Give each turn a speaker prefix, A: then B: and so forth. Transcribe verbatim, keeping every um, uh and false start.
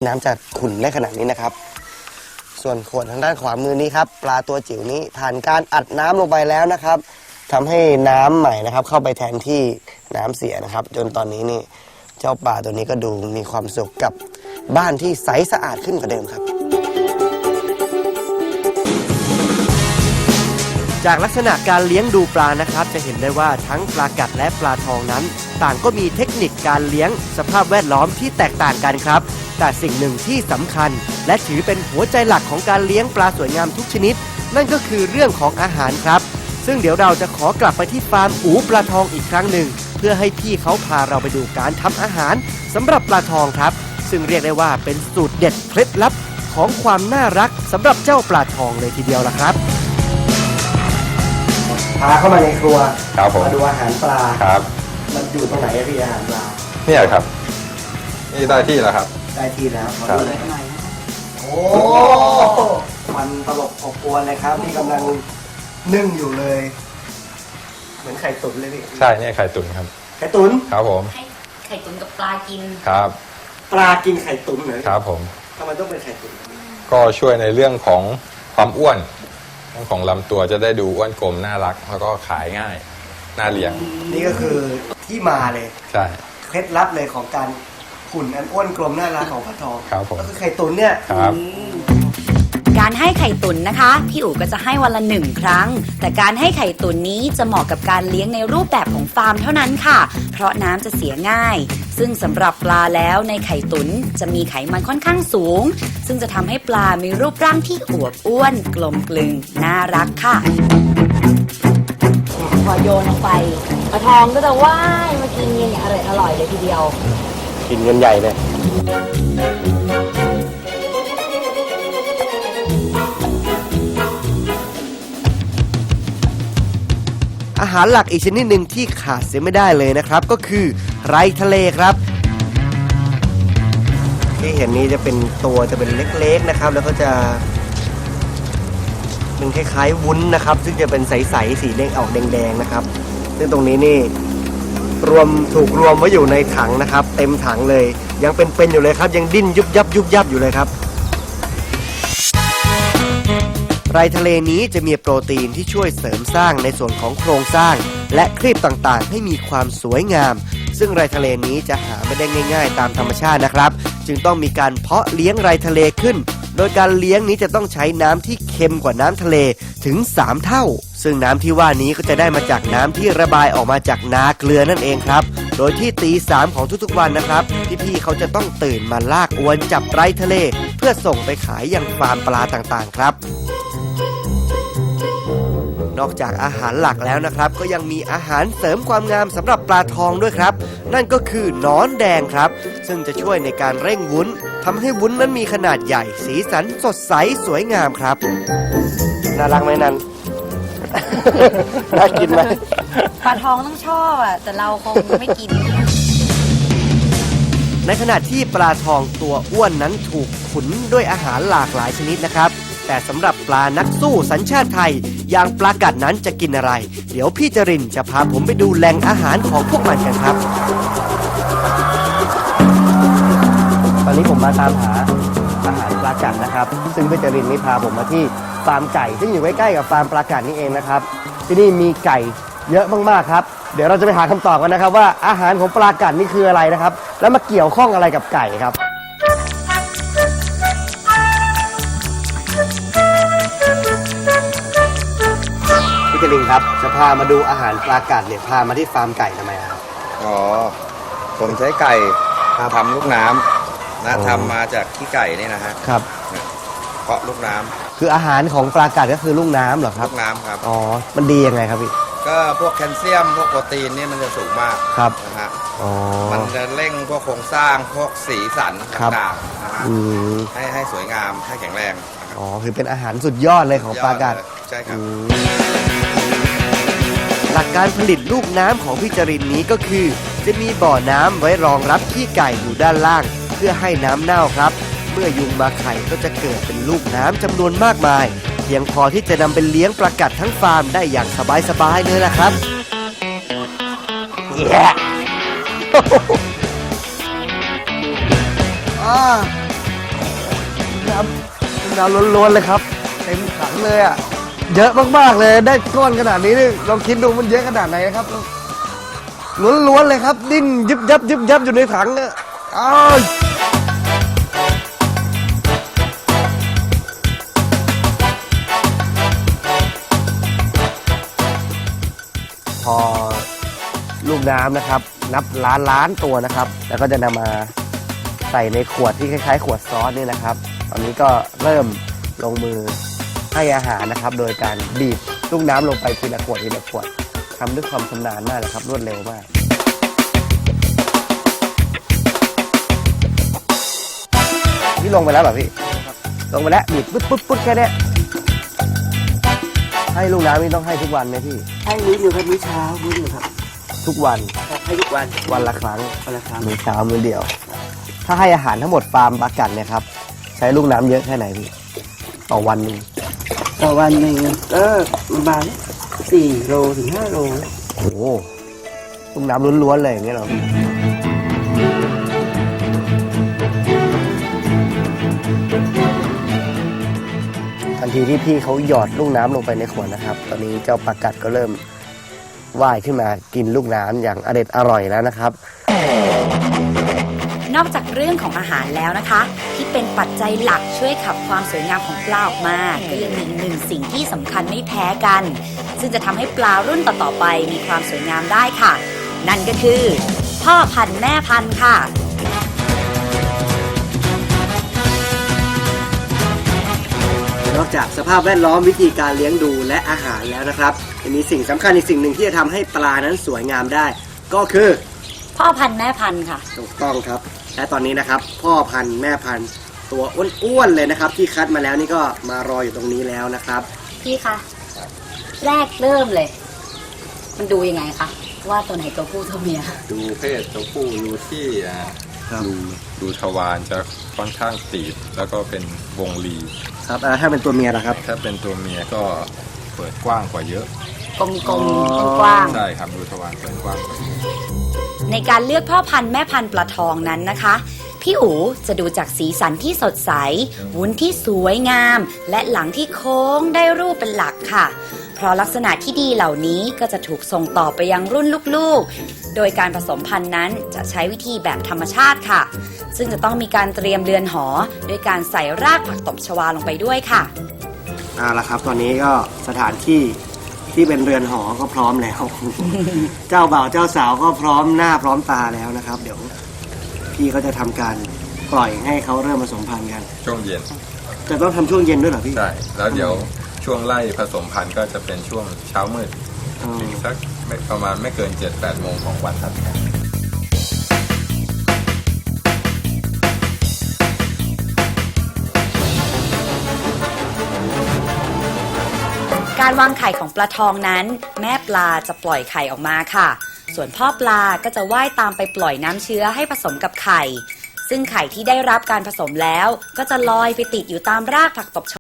A: น้ำจะขุ่นได้ขนาดนี้นะครับส่วนขวดทางด้านขวามือนี้ครับปลาตัวจิ๋วนี้ผ่านการอัดน้ำลงไปแล้วนะครับทำให้น้ำใหม่นะครับเข้าไปแทนที่น้ำเสียนะครับจนตอนนี้นี่เจ้าปลาตัวนี้ก็ดูมีความสุขกับบ้านที่ใสสะอาดขึ้นกว่าเดิมครับจากลักษณะการเลี้ยงดูปลานะครับจะเห็นได้ว่าทั้งปลากัดและปลาทองนั้นต่างก็มีเทคนิคการเลี้ยงสภาพแวดล้อมที่แตกต่างกันครับแต่สิ่งหนึ่งที่สำคัญและถือเป็นหัวใจหลักของการเลี้ยงปลาสวยงามทุกชนิดนั่นก็คือเรื่องของอาหารครับซึ่งเดี๋ยวเราจะขอกลับไปที่ฟาร์มอู๋ปลาทองอีกครั้งหนึ่งเพื่อให้พี่เขาพาเราไปดูการทำอาหารสำหรับปลาทองครับซึ่งเรียกได้ว่าเป็นสูตรเด็ดเคล็ดลับของความน่ารักสำหรับเจ้าปลาทองเลยทีเดียวล่ะครับพาเข้ามาในครัวครับผมมาดูอาหารปลาครับมันอยู่ตรงไหนพี่อาหารปลา
B: เนี่ยครับนี่ได้ที่แล้วครับ
A: ได้ที่แล้วขอดูหน่อยนะโอ้มันตลบอบอวนเลยครับนี่กำลังนึ่งอยู่เลยเหมือนไข่ตุ๋นเลยพี่
B: ใช่เนี่ยไข่ตุ๋นครับ
A: ไข่ตุ๋น
B: ครับผม
C: ให้ไข่ตุ๋นกับปลากิน
B: ครับ
A: ปลากินไข่ตุ๋นเหรอ
B: ครับผม
A: ทำไมต้องเป็นไข่ตุ๋น
B: ก็ช่วยในเรื่องของความอ้วนของลำตัวจะได้ดูอ้วนกลมน่ารักแล้วก็ขายง่ายน่าเลี้ยง
A: นี่ก็คือที่มาเลย
B: ใช่
A: เคล็ดลับเลยของการหุ่นอันอ้วนกลมน่ารักของปลาทอง
B: ครับผม
A: ก็คือไข่ตุ๋นเนี่ย
B: ครับ
C: การให้ไข่ตุ๋นนะคะพี่อู๋ก็จะให้วันละหนึ่งครั้งแต่การให้ไข่ตุ๋นนี้จะเหมาะกับการเลี้ยงในรูปแบบของฟาร์มเท่านั้นค่ะเพราะน้ำจะเสียง่ายซึ่งสำหรับปลาแล้วในไข่ตุ๋นจะมีไขมันค่อนข้างสูงซึ่งจะทำให้ปลามีรูปร่างที่อวบอ้วนกลมกลึงน่ารักค่ะพอโยนลงไปปลาทองก็จะว่ายมากินอย่างอร่อยอร่อยเลยทีเดียว
A: กินกันใหญ่เลยอาหารหลักอีกชนิดหนึ่งที่ขาดเสียไม่ได้เลยนะครับก็คือไรทะเลครับที่เห็นนี้จะเป็นตัวจะเป็นเล็กๆนะครับแล้วก็จะเป็นคล้ายๆวุ้นนะครับซึ่งจะเป็นใสๆสีแดงออกแดงๆนะครับซึ่งตรงนี้นี่รวมถูกรวมไว้อยู่ในถังนะครับเต็มถังเลยยังเป็นๆอยู่เลยครับยังดิ้นยุบยับยุบยับอยู่เลยครับไรทะเลนี้จะมีโปรตีนที่ช่วยเสริมสร้างในส่วนของโครงสร้างและครีบต่างๆให้มีความสวยงามซึ่งไรทะเลนี้จะหาไม่ได้ง่ายๆตามธรรมชาตินะครับจึงต้องมีการเพาะเลี้ยงไรทะเลขึ้นโดยการเลี้ยงนี้จะต้องใช้น้ำที่เค็มกว่าน้ำทะเลถึงสามเท่าซึ่งน้ำที่ว่านี้ก็จะได้มาจากน้ำที่ระบายออกมาจากนาเกลือนั่นเองครับโดยที่ตีสามของทุกๆวันนะครับพี่ๆเขาจะต้องตื่นมาลากอวนจับไรทะเลเพื่อส่งไปขายยังฟาร์มปลาต่างๆครับนอกจากอาหารหลักแล้วนะครับก็ยังมีอาหารเสริมความงามสำหรับปลาทองด้วยครับนั่นก็คือหนอนแดงครับซึ่งจะช่วยในการเร่งวุ้นทำให้วุ้นนั้นมีขนาดใหญ่สีสันสดใสสวยงามครับน่ารักไหมนัน น่ากินไหม
C: ปลาทองต้องชอบอ่ะแต่เราคงไม่กิน
A: ในขณะที่ปลาทองตัวอ้วนนั้นถูกขุนด้วยอาหารหลากหลายชนิดนะครับแต่สำหรับปลานักสู้สัญชาติไทยอย่างปลากัดนั้นจะกินอะไรเดี๋ยวพี่จรินจะพาผมไปดูแหล่งอาหารของพวกมันกันครับตอนนี้ผมมาตามหาอาหารปลากัดนะครับซึ่งพี่จรินนี่พาผมมาที่ฟาร์มไก่ซึ่งอยู่ใกล้ๆกับฟาร์มปลากัดนี่เองนะครับที่นี่มีไก่เยอะมากๆครับเดี๋ยวเราจะไปหาคำตอบกันนะครับว่าอาหารของปลากัดนี่คืออะไรนะครับแล้วมาเกี่ยวข้องอะไรกับไก่ครับพี่จรินครับจะพามาดูอาหารปลากัดเนี่ยพามาที่ฟาร์มไก่ทำไมครับ
D: อ๋อผมใช้ไก่ทำลูกน้ำนะทำมาจากขี้ไก่นี่นะฮะ
A: ครับ
D: เพาะลูกน้ำ
A: คืออาหารของปลากัดก็คือลูกน้ำเหรอครับ
D: ลูกน้ำครับ
A: อ๋อมันดียังไงครับพี่
D: ก็พวกแคลเซียมพวกโปรตีนนี่มันจะสูงมาก
A: ครับ
D: นะฮะ
A: อ๋อ
D: มันจะเร่งพวกโครงสร้างพวกสีสันต่างๆนะฮะให้ให้สวยงามให้แข็งแรง
A: อ๋อคือเป็นอาหารสุดยอดเลยของปลากัด
D: ใช่ครับ
A: หลักการผลิตลูกน้ำของพี่จรินนี้ก็คือจะมีบ่อน้ำไว้รองรับขี้ไก่อยู่ด้านล่างเพื่อให้น้ำเน่าครับเมื่อยุงมาไข่ก็จะเกิดเป็นลูกน้ำจำนวนมากมายเพียงพอที่จะนำไปเลี้ยงปลากัดทั้งฟาร์มได้อย่างสบายๆเลยล่ะครับเย้น้ำล้วนๆเลยครับเต็มถังเลยอ่ะเยอะมากๆเลยได้ก้อนขนาดนี้นี่ลองคิดดูมันเยอะขนาดไหนนะครับล้วนๆเลยครับดิ้นยึบยับยึบยับอยู่ในถังเนี่ยอ้าวพอลูกน้ำนะครับนับล้านล้านตัวนะครับ แล้วก็จะนำมาใส่ในขวดที่คล้ายๆ ขวดซอสนี่นะครับ ตอนนี้ก็เริ่มลงมือให้อาหารนะครับ โดยการบีบลูกน้ำลงไปทีละขวดทีละขวดทำด้วยความชำนาญมากเลยครับรวดเร็วมากพี่ลงไปแล้วเหรอพี่ลงไปแล้วบีบปุ๊บปุ๊บปุ๊บแค่นี้ให้ลูกน้ำนี่ต้องให้ทุกวันไหมพี่
E: ให้มื้อหนึ่งครับมื้อเช้ามื้อหนึ่งครับ
A: ทุกวัน
E: ให้ทุกวัน
A: วันละครั้ง
E: วันละครั้ง
A: มื้อเช้ามื้อเดียว ถ้าให้อาหารทั้งหมดฟาร์มปลากัดเนี่ยครับใช้ลูกน้ำเยอะแค่ไหนพี่ต่อวันหนึง
E: ต่อวันหนึ่งก็ประมาณสี่โลถึงห้าโล
A: โอ้โหลูกน้ำล้วนๆเลยอย่างเงี้ยเหรอทันทีที่พี่เขาหยอดลูกน้ำลงไปในขวดนะครับ ตอนนี้เจ้าปลากัดก็เริ่มว่ายขึ้นมากินลูกน้ำอย่างอเด็ดอร่อยแล้วนะครับ
C: นอกจากเรื่องของอาหารแล้วนะคะ ที่เป็นปัจจัยหลักช่วยขับความสวยงามของปลาออกมา ก็ยังมีอีกหนึ่งสิ่งที่สำคัญไม่แพ้กัน ซึ่งจะทำให้ปลารุ่นต่อๆไปมีความสวยงามได้ค่ะ นั่นก็คือ พ่อพันธุ์แม่พันธุ์ค่ะ
A: นอกจากสภาพแวดล้อมวิธีการเลี้ยงดูและอาหารแล้วนะครับยังมีสิ่งสำคัญอีกสิ่งหนึ่งที่จะทำให้ปลานั้นสวยงามได้ ก็คือ
C: พ่อพันธุ์แม่พันธุ์ค่ะ
A: ถูกต้องครับและตอนนี้นะครับพ่อพันธุ์แม่พันธุ์ตัวอ้วนๆเลยนะครับ ที่คัดมาแล้วนี่ก็มารออยู่ตรงนี้แล้วนะครับ
C: พี่คะแรกเริ่มเลย มันดูยังไงคะว่าตัวไหนตัวผู้ตัวเมีย
B: ดูเพศตัวผู้ดูที่อ่า
A: ครับ
B: ดูดูทวารจะค่อนข้างตีบแล้วก็เป็นวงรี
A: ครับอ่าถ้าเป็นตัวเมียล่ะครับ
B: ถ้าเป็นตัวเมียก็เปิดกว้างกว่าเยอะ
C: กลม
A: อ๋อ
C: ๆกว้างๆ
B: ใช่ครับดูทวารเปิดกว้างกว่าเยอะ
C: ในการเลือกพ่อพันธุ์แม่พันธุ์ปลาทองนั้นนะคะ พี่อู๋จะดูจากสีสันที่สดใส วุ้นที่สวยงาม และหลังที่โค้งได้รูปเป็นหลักค่ะ เพราะลักษณะที่ดีเหล่านี้ก็จะถูกส่งต่อไปยังรุ่นลูกๆ โดยการผสมพันธุ์นั้นจะใช้วิธีแบบธรรมชาติค่ะ ซึ่งจะต้องมีการเตรียมเรือนหอ โดยการใส่รากผักตบชวาลงไปด้วยค่ะ
A: เอาละครับตอนนี้ก็สถานที่ที่เป็นเรือนหอก็พร้อมแล้ว เจ้าบ่าวเจ้าสาวก็พร้อมหน้าพร้อมตาแล้วนะครับ เดี๋ยวพี่เขาจะทำการปล่อยให้เขาเริ่มผสมพันธุ์กัน
B: ช่วงเย็น
A: จะต้องทำช่วงเย็นด้วยเหรอพี่
B: ใช่แล้วเดี๋ยวช่วงไล่ผสมพันธุ์ก็จะเป็นช่วงเช้ามืด
A: อ๋อ
B: อีกสักไม่ประมาณไม่เกิน เจ็ดแปด โมงของวันถัดไป
C: การวางไข่ของปลาทองนั้น แม่ปลาจะปล่อยไข่ออกมาค่ะ ส่วนพ่อปลาก็จะว่ายตามไปปล่อยน้ำเชื้อให้ผสมกับไข่ ซึ่งไข่ที่ได้รับการผสมแล้ว ก็จะลอยไปติดอยู่ตามรากผักตบช